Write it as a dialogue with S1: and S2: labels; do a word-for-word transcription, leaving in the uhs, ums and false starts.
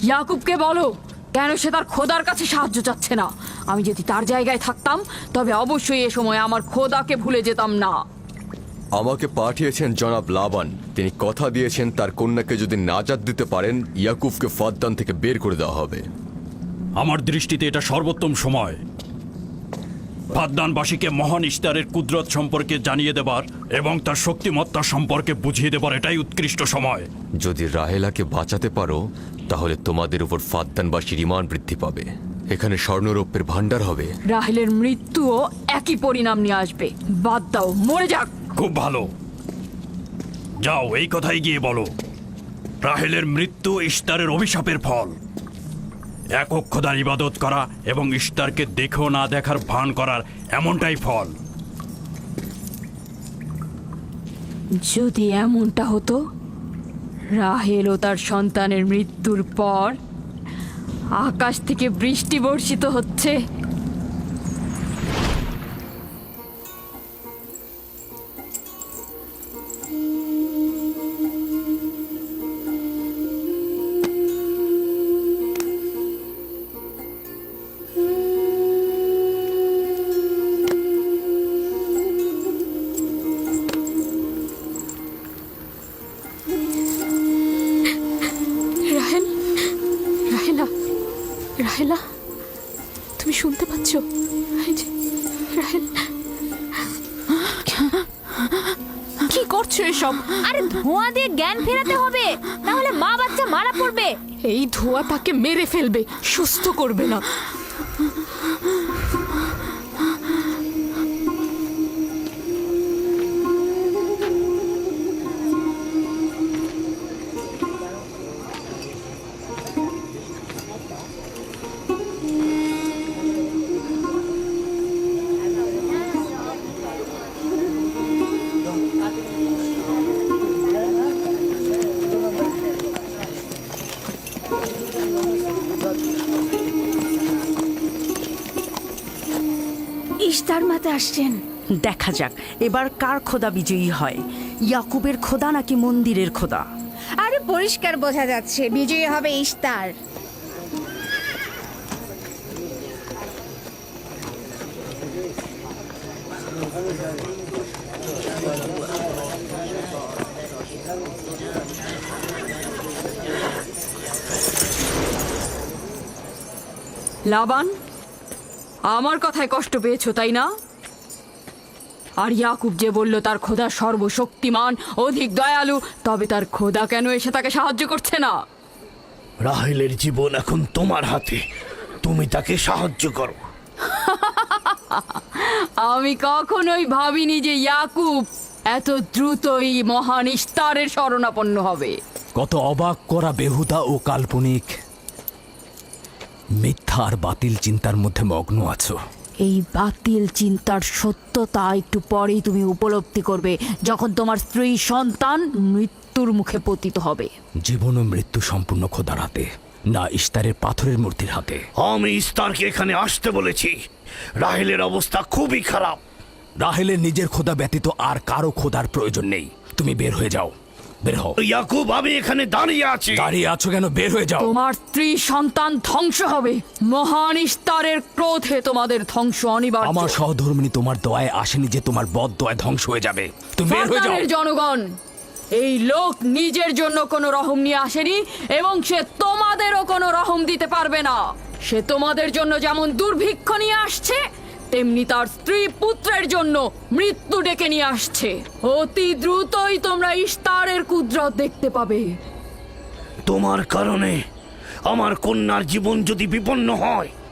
S1: ইয়াকুবকে বলো কেন সে তার খোদার কাছে সাহায্য চাচ্ছে না। আমি যদি তার জায়গায় থাকতাম তবে অবশ্যই এ সময় আমার খোদাকে ভুলে যেতাম না।
S2: আমাকে পাঠিয়েছেন জনাব লাবান। তিনি কথা দিয়েছেন তার কন্যাকে যদি নাজাত দিতে পারেন ইয়াকুবকে ফাদ্দান থেকে বের করে দেওয়া হবে।
S3: আমার দৃষ্টিতে এটা সর্বোত্তম সময় ফাদ্দানবাসীকে মহান ইশতারের কুদরত সম্পর্কে জানিয়ে দেবার এবং তার শক্তিমত্তা সম্পর্কে বুঝিয়ে দেবার এটাই উৎকৃষ্ট সময়।
S2: যদি রাহেলাকে বাঁচাতে পারো তাহলে তোমাদের উপর ফাদ্দানবাসীর ঈমান বৃদ্ধি পাবে। এখানে স্বর্ণরৌপ্যের ভান্ডার হবে।
S1: রাহেলের মৃত্যুও একই পরিণাম নিয়ে আসবে। বাদ দাও, মরে যাক।
S3: খুব ভালো, যাও এই কথাই গিয়ে বলো রাহেলের মৃত্যু ইশতারের অভিশাপের ফল। একক খোদার ইবাদত করা এবং ইশতারকে দেখেও না দেখার ভান করার এমনটাই ফল।
S1: যদি এমনটা হতো, রাহেল ও তার সন্তানের মৃত্যুর পর আকাশ থেকে বৃষ্টি বর্ষিত হচ্ছে।
S4: রাহেল, রাহেলা, রাহেলা, তুমি শুনতে পাচ্ছ? এই যে, রাহেল, কি করছো এসব?
S5: আরে ধোঁয়া দিয়ে জ্ঞান ফেরাতে হবে, তাহলে মা বাচ্চা মারা পড়বে।
S4: এই ধোঁয়া তাকে মেরে ফেলবে, সুস্থ করবে না।
S5: ইশতার মাতে আসছেন।
S6: দেখা যাক এবার কার খোদা বিজয়ী হয়, ইয়াকুবের খোদা নাকি মন্দিরের খোদা।
S5: আরে পরিষ্কার বোঝা যাচ্ছে বিজয়ী হবে ইশতার।
S1: লাবান, আমার কথায় কষ্ট পেয়েছো তাই না? আর ইয়াকুব যে বলল তার খোদা সর্বশক্তিমান, অধিক দয়ালু, তবে তার খোদা কেন এসে তাকে সাহায্য করছে না?
S7: রাহেলের জীবন এখন তোমার হাতে, তুমি তাকে সাহায্য করো।
S1: আমি কখনোই ভাবিনি যে ইয়াকুব এত দ্রুতই মহান ইশতারের শরণাপন্ন হবে।
S8: কত অবাক করা বেহুদা ও কাল্পনিক, মিথ্যা আর বাতিল চিন্তার মধ্যে মগ্ন আছো।
S1: এই বাতিল চিন্তার সত্যতা একটু পরেই তুমি উপলব্ধি করবে, যখন তোমার স্ত্রী সন্তান মৃত্যুর মুখে পতিত হবে।
S8: জীবন ও মৃত্যু সম্পূর্ণ খোদার হাতে, না ইশতারের পাথরের মূর্তির হাতে।
S7: আমি ইস্তারকে এখানে আসতে বলেছি। রাহেলের অবস্থা খুবই খারাপ।
S8: রাহেলের নিজের খোদা ব্যতীত আর কারো খোদার প্রয়োজন নেই। তুমি বের হয়ে যাও, বের হও।
S7: ইয়াকুব, আমি এখানে দাঁড়িয়ে আছি।
S8: দাঁড়িয়ে আছো কেন? বের হয়ে যাও।
S1: তোমার স্ত্রী সন্তান ধ্বংস হবে। মহান ইশতারের ক্রোধে তোমাদের ধ্বংস অনিবার্য।
S8: আমার সহধর্মিনী তোমার দয়ায় আসেনি যে তোমার বদ দয়ায় ধ্বংস হয়ে যাবে। তুমি বের হয়ে যাও।
S1: ফাদ্দানের জনগণ, এই লোক নিজের জন্য কোনো রহম নিয়ে আসেনি এবং সে তোমাদেরও কোনো রহম দিতে পারবে না। সে তোমাদের জন্য যেমন দুর্ভিক্ষ নিয়ে আসছে, তেমনি তার স্ত্রী পুত্রের জন্য মৃত্যু ডেকে নিয়ে আসছে। অতি দ্রুতই তোমরা ইশতারের কুদরত দেখতে পাবে।
S7: তোমার কারণে আমার কন্যার জীবন যদি বিপন্ন হয়